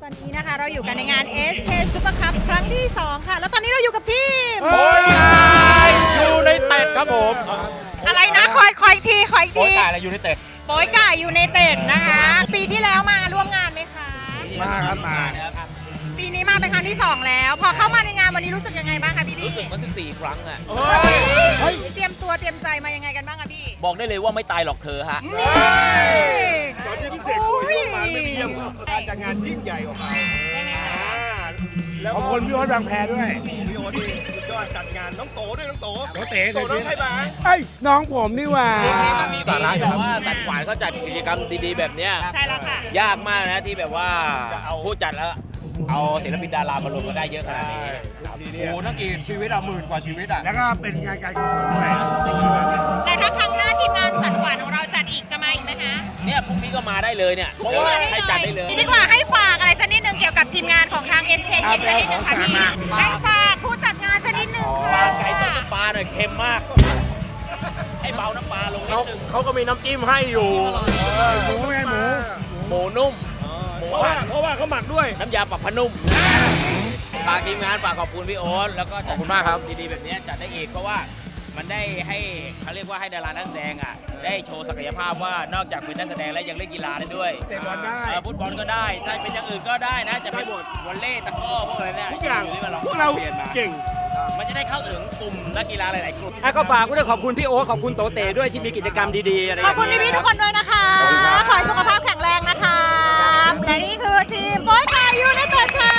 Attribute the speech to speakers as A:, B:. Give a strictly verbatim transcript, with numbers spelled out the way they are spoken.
A: ตอนนี้นะคะเราอยู่กันในงาน เอส เค Super Cup ครั้งที่สองค่ะแล้วตอนนี้เราอยู่กับทีม
B: โอ้ยยูไนเต็ดครับผม
A: อะไรนะคอยคอยทีคอย
B: โอ้
A: ที
B: ยกายอะไรยูไนเต็ด
A: โป้ยก่ายอยู่ในเต็ดนะคะปีที่แล้วมาร่วมงานไหมคะ
B: มาครับมา
A: ปีนี้มาเป็นครั้งที่สองแล้ว พอเข้ามาในงานวันนี้รู้สึกยังไงบ้างคะพี่พี่
C: รู้สึกมาสิบสี่ครั้งอะ
A: เฮ้ยเตรียมตัวเตรียมใจมายังไงกันบ้างคะพี่
C: บอกได้เลยว่าไม่ตายหรอกเธอฮะ
D: ตอนที่พิเศษคุยร่วมมาไม่มีการจัดงานยิ่งใหญ่ของเรา
A: ยังไงคะ
D: แล้ว
B: ขอบคุณพี่โอ๊ตบางแพด้วย
D: พี่โอ๊ตนี่สุดยอดจัดงานน้องโตด้วยน้องโต
B: โตเต๋
D: โตน้องไทยบ้าง
B: เอ้ยน้องผมนี่หว่า
C: มีสาระแบบว่าสัตว์ขวานเขาจัดกิจกรรมดีๆแบบเนี้ย
A: ใช่แล้วค่ะ
C: ยากมากนะที่แบบว่าผู้จัดแล้วเอาศิลปินดารามารวมกันได้เยอะขนาดนี้
B: โอ้นักกีฬาชีวิตอ่ะหมื่นกว่าชีวิตอ่ะแล้วก็เป็นงานการกุศลด้วย
A: แต่ถ้าครั้งหน้าทีมงานสัตว์หวานของเราจัดอีกจะมาอีกไหมคะ
C: เนี่ยพรุ่งนี้ก็มาได้เลยเนี่ย
A: เพราะว่า
C: ให้จัดได้เลย
A: นี่ดีกว่าให้ฝากอะไรสักนิดนึงเกี่ยวกับทีมงานของทาง เอส เค คิดสักนิดนึงค่ะพี่ให้ฝากผู้จัดงานสักนิดนึง
C: ป
A: ค่ะ
C: ลาไก่ต้มน้ำปลาหน่อยเค็มมากให้เบาน้ำปลาลงนิดนึง
B: เขาก็มีน้ำจิ้มให้อยู่หมูไงหมู
C: หมูนุ่มหมู
D: เพราะว่า
C: หั่น
D: เพราะว่าเขาหมักด้วย
C: น้ำยาปรับผ้านุ่มฝากทีมงานฝากขอบคุณพี่โอ๊ตแล้วก็จัด
B: ขอบคุณมากครับ
C: ดีๆแบบนี้จัดได้อีกเพราะว่ามันได้ให้เขาเรียกว่าให้ดารานักแสดงอ่ะได้โชว์ศักยภาพว่านอกจากเป็นนักแสดงแล้วยังเล่นกีฬาได้ด้วย
B: เตะบอลได้
C: เออฟุตบอลก็ได้ถ้าเป็นอย่างอื่นก็ได้นะ จะไม่หมดวอลเลย์ตะกร้อพวกอะไรเนี่ย
D: ทุกอย่าง
C: ที่มล
D: พวกเรา
C: ปลี่ยนมา
D: เก่ง
C: มันจะได้เข้าถึงกลุ่มนักกีฬาหลายๆกลุ่ม
E: อ่ะก็ฝากด้วยขอบคุณพี่โอ๊ตขอบคุณโตเตด้วยที่มีกิจกรรมดีๆอะไรอ
A: ขอบ
E: ย่าง
A: คุณ
E: เงี้ย
A: พี่ๆทุกคนด้วยนะคะ ขอให้สุขภาพแข็งแรงนะคะ และนี่คือทีมโป้ยกายยูไนเต็ดค่ะ